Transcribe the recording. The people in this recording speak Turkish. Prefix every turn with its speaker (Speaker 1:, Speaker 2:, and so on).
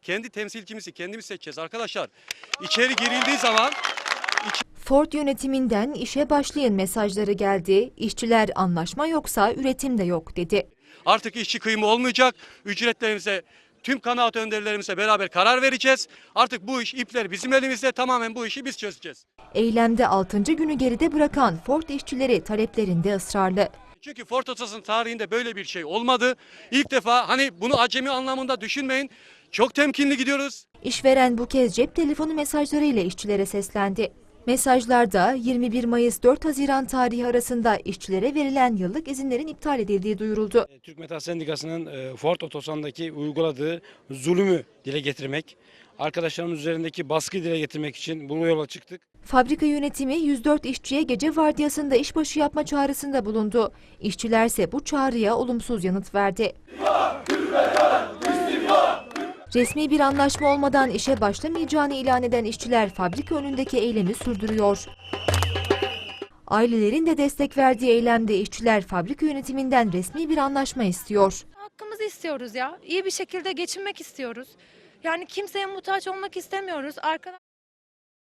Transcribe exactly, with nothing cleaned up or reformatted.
Speaker 1: kendi temsilcimizi kendimiz seçeceğiz arkadaşlar. İçeri girildiği zaman
Speaker 2: Ford yönetiminden işe başlayın mesajları geldi. İşçiler anlaşma yoksa üretim de yok dedi.
Speaker 1: artık işçi kıyımı olmayacak. Ücretlerimize, tüm kanaat önderlerimize beraber karar vereceğiz. Artık bu iş, ipler bizim elimizde, tamamen bu işi biz çözeceğiz.
Speaker 2: Eylemde altıncı günü geride bırakan Ford işçileri taleplerinde ısrarlı.
Speaker 1: Çünkü Ford Otosan tarihinde böyle bir şey olmadı. İlk defa, hani bunu acemi anlamında düşünmeyin. Çok temkinli gidiyoruz.
Speaker 2: İşveren bu kez cep telefonu mesajlarıyla işçilere seslendi. Mesajlarda yirmi bir Mayıs dört Haziran tarihi arasında işçilere verilen yıllık izinlerin iptal edildiği duyuruldu.
Speaker 3: Türk Metal Sendikası'nın e, Ford Otosan'daki uyguladığı zulmü dile getirmek, arkadaşlarımız üzerindeki baskıyı dile getirmek için bu yola çıktık.
Speaker 2: Fabrika yönetimi yüz dört işçiye gece vardiyasında işbaşı yapma çağrısında bulundu. İşçilerse bu çağrıya olumsuz yanıt verdi. Resmi bir anlaşma olmadan işe başlamayacağını ilan eden işçiler fabrika önündeki eylemi sürdürüyor. Ailelerin de destek verdiği eylemde işçiler fabrika yönetiminden resmi bir anlaşma istiyor.
Speaker 4: Hakkımızı istiyoruz ya. İyi bir şekilde geçinmek istiyoruz. Yani kimseye muhtaç olmak istemiyoruz. Arkadaş